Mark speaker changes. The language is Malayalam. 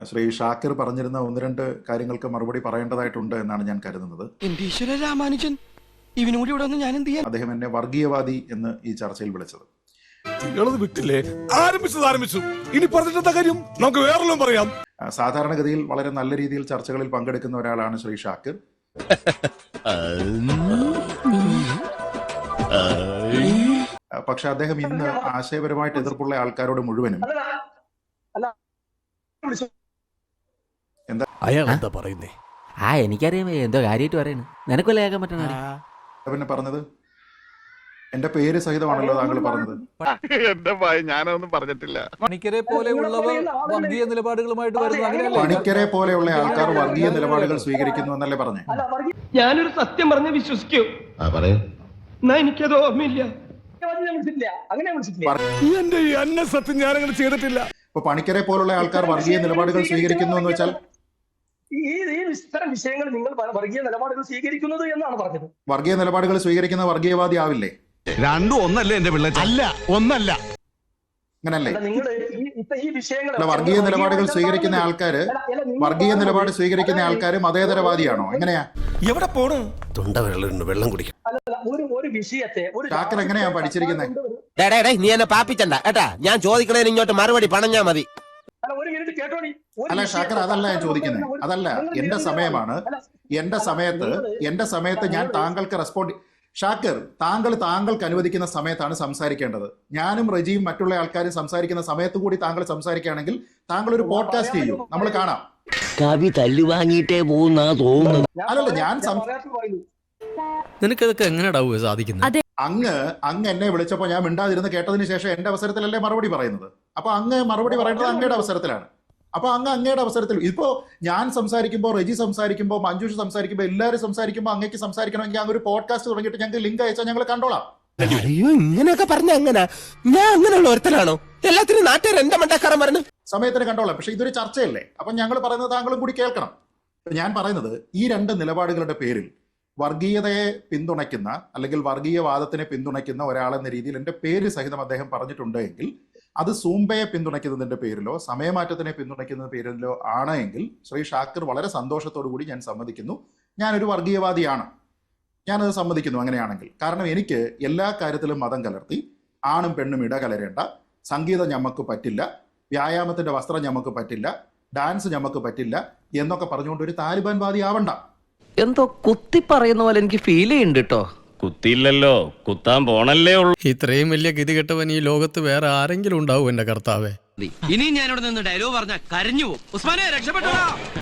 Speaker 1: ശ്രീ ഷാക്കിർ പറഞ്ഞിരുന്ന ഒന്ന് രണ്ട് കാര്യങ്ങൾക്ക് മറുപടി പറയേണ്ടതായിട്ടുണ്ട് എന്നാണ് ഞാൻ കരുതുന്നത്.
Speaker 2: എന്റെ ഈശ്വര രാമാനുജൻ, ഇവനോട് ഇവിടെ വന്ന് ഞാൻ എന്ത് ചെയ്യാൻ?
Speaker 1: അദ്ദേഹം എന്നെ വർഗീയവാദി എന്ന് ഈ ചർച്ചയിൽ വിളിച്ചത്.
Speaker 3: വിട്ടില്ലേ? ആരംഭിച്ചു. ഇനി പറഞ്ഞിട്ടെന്താ കാര്യം? നമുക്ക് വേറെല്ലാം പറയാം.
Speaker 1: സാധാരണഗതിയിൽ വളരെ നല്ല രീതിയിൽ ചർച്ചകളിൽ പങ്കെടുക്കുന്ന ഒരാളാണ് ശ്രീ ഷാക്കിർ. പക്ഷെ അദ്ദേഹം ഇന്ന് ആശയപരമായിട്ട് എതിർപ്പുള്ള ആൾക്കാരോട് മുഴുവനും
Speaker 3: അയാൾ എന്താ പറയുന്നേ?
Speaker 4: എനിക്കറിയാം എന്തോ കാര്യമായിട്ട് പറയുന്നു. നിനക്കല്ലേ കേൾക്കാൻ പറ്റണ?
Speaker 1: പിന്നെ പറഞ്ഞത് എന്റെ പേര് സഹിതമാണല്ലോ താങ്കൾ പറഞ്ഞത്.
Speaker 5: എന്റെ ഭയ ഞാനൊന്നും പറഞ്ഞിട്ടില്ല.
Speaker 6: പണിക്കരെ പോലെയുള്ളവർ വർഗീയ നിലപാടുകളുമായിട്ട് വരുന്നു.
Speaker 1: പണിക്കരെ പോലെയുള്ള ആൾക്കാർ വർഗീയ നിലപാടുകൾ സ്വീകരിക്കുന്നു എന്നല്ലേ പറഞ്ഞേ?
Speaker 2: ഞാനൊരു സത്യം പറഞ്ഞ് വിശ്വസിക്കൂ. എന്നാ എനിക്കത് ഓർമ്മയില്ല.
Speaker 3: എന്റെ ഈ അന്ന സത്യം ഞാനങ്ങനെ ചെയ്തിട്ടില്ല.
Speaker 1: ഇപ്പൊ പണിക്കരെ പോലുള്ള ആൾക്കാർ വർഗീയ നിലപാടുകൾ സ്വീകരിക്കുന്നു എന്ന് വെച്ചാൽ
Speaker 7: ഇത്തരം വിഷയങ്ങൾ നിങ്ങൾ വർഗീയ നിലപാടുകൾ സ്വീകരിക്കുന്നത് എന്നാണ് പറഞ്ഞത്.
Speaker 1: വർഗീയ നിലപാടുകൾ സ്വീകരിക്കുന്ന വർഗീയവാദി ആവില്ലേ?
Speaker 5: രണ്ടും ഒന്നല്ലേ എന്റെ പിള്ളേർ? അല്ല, ഒന്നല്ല.
Speaker 1: അങ്ങനല്ലേ?
Speaker 7: നിങ്ങൾ ഈ വിഷയങ്ങൾ
Speaker 1: വർഗീയ നിലപാടുകൾ സ്വീകരിക്കുന്ന ആൾക്കാര് വർഗീയ നിലപാട് സ്വീകരിക്കുന്ന ആൾക്കാര് മതേതരവാദിയാണോ? എങ്ങനെയാ?
Speaker 3: എവിടെ പോണു?
Speaker 5: തൊണ്ട വെള്ളം കുടിക്കും.
Speaker 7: ഒരു വിഷയത്തെ
Speaker 1: ഷാക്കിർ എങ്ങനെയാ പഠിച്ചിരിക്കുന്നത്?
Speaker 4: നീ എന്നെ പാപ്പിച്ചണ്ട കേട്ടാ. ഞാൻ ചോദിക്കണേന് ഇങ്ങോട്ട് മറുപടി പണഞ്ഞാ മതി.
Speaker 7: ഒരു മിനിറ്റ് കേട്ടോടി.
Speaker 1: അല്ല ഷാക്കിർ, അതല്ല ഞാൻ ചോദിക്കുന്നത്. അതല്ല, എന്റെ സമയമാണ്. എന്റെ സമയത്ത് ഞാൻ താങ്കൾക്ക് റെസ്പോണ്ട്. ഷാക്കിർ, താങ്കൾക്ക് അനുവദിക്കുന്ന സമയത്താണ് സംസാരിക്കേണ്ടത്. ഞാനും റജിയും മറ്റുള്ള ആൾക്കാരും സംസാരിക്കുന്ന സമയത്ത് കൂടി താങ്കൾ സംസാരിക്കുകയാണെങ്കിൽ താങ്കൾ ഒരു പോഡ്കാസ്റ്റ് ചെയ്യൂ, നമ്മൾ കാണാം.
Speaker 4: കവി തല്ലു വാങ്ങിയിട്ടേ പോകുന്ന തോന്നുന്നു.
Speaker 1: അല്ലല്ല, ഞാൻ
Speaker 6: നിനക്കതൊക്കെ എങ്ങനെയാ സാധിക്കുന്നത്?
Speaker 1: അങ്ങ് എന്നെ വിളിച്ചപ്പോൾ ഞാൻ മിണ്ടാതിരുന്ന് കേട്ടതിന് ശേഷം എന്റെ അവസരത്തിലല്ലേ മറുപടി പറയുന്നത്. അപ്പൊ അങ്ങ് മറുപടി പറയേണ്ടത് അങ്ങയുടെ അവസരത്തിലാണ്. അപ്പൊ അങ്ങയുടെ അവസരത്തിൽ ഇപ്പോ ഞാൻ സംസാരിക്കുമ്പോൾ, റെജി സംസാരിക്കുമ്പോൾ, മഞ്ജുഷ് സംസാരിക്കുമ്പോൾ, എല്ലാവരും സംസാരിക്കുമ്പോൾ അങ്ങേക്ക് സംസാരിക്കണമെങ്കിൽ അങ്ങ് ഒരു പോഡ്കാസ്റ്റ് തുടങ്ങിയിട്ട് ഞങ്ങൾക്ക് ലിങ്ക് അയച്ചാൽ ഞങ്ങൾ കണ്ടോളാം.
Speaker 4: അയ്യോ, ഇങ്ങനെയൊക്കെ പറഞ്ഞ അങ്ങനെ ഞാൻ അങ്ങനെയുള്ള ഒരുത്തനാണോ? എല്ലാത്തിനും നാട്ടുകാർ എന്റെ മണ്ടക്കാരൻ പറഞ്ഞു
Speaker 1: സമയത്തിന് കണ്ടോളാം. പക്ഷെ ഇതൊരു ചർച്ചയല്ലേ? അപ്പൊ ഞങ്ങൾ പറയുന്നത് താങ്കളും കൂടി കേൾക്കണം. ഞാൻ പറയുന്നത് ഈ രണ്ട് നിലപാടുകളുടെ പേരിൽ വർഗീയതയെ പിന്തുണയ്ക്കുന്ന അല്ലെങ്കിൽ വർഗീയവാദത്തിനെ പിന്തുണയ്ക്കുന്ന ഒരാളെന്ന രീതിയിൽ എൻ്റെ പേര് സഹിതം അദ്ദേഹം പറഞ്ഞിട്ടുണ്ട് എങ്കിൽ അത് സൂംബയെ പിന്തുണയ്ക്കുന്നതിന്റെ പേരിലോ സമയമാറ്റത്തിനെ പിന്തുണയ്ക്കുന്ന പേരിലോ ആണ് എങ്കിൽ ശ്രീ ഷാക്കിർ വളരെ സന്തോഷത്തോടു കൂടി ഞാൻ സമ്മതിക്കുന്നു, ഞാനൊരു വർഗീയവാദിയാണ്, ഞാനത് സമ്മതിക്കുന്നു അങ്ങനെയാണെങ്കിൽ. കാരണം എനിക്ക് എല്ലാ കാര്യത്തിലും മതം കലർത്തി ആണും പെണ്ണും ഇടകലരേണ്ട, സംഗീതം ഞമ്മക്ക് പറ്റില്ല, വ്യായാമത്തിന്റെ വസ്ത്രം ഞമ്മക്ക് പറ്റില്ല, ഡാൻസ് ഞമ്മക്ക് പറ്റില്ല എന്നൊക്കെ പറഞ്ഞുകൊണ്ട് ഒരു താലിബാൻ വാദി ആവണ്ട.
Speaker 4: എന്തോ കുത്തി പറയുന്ന പോലെ എനിക്ക് ഫീൽ ചെയ്യുന്നുണ്ട് കേട്ടോ.
Speaker 8: കുത്തിയില്ലല്ലോ, കുത്താൻ പോണല്ലേ ഉള്ളൂ.
Speaker 6: ഇത്രയും വലിയ ഗതികെട്ടവൻ ഈ ലോകത്ത് വേറെ ആരെങ്കിലും ഉണ്ടാവും എന്റെ കർത്താവേ?
Speaker 2: ഇനി ഞാനിവിടെ നിന്ന് ഡയലോഗ് പറഞ്ഞാൽ കരഞ്ഞു പോകും. ഉസ്മാനെ രക്ഷപ്പെട്ടോ.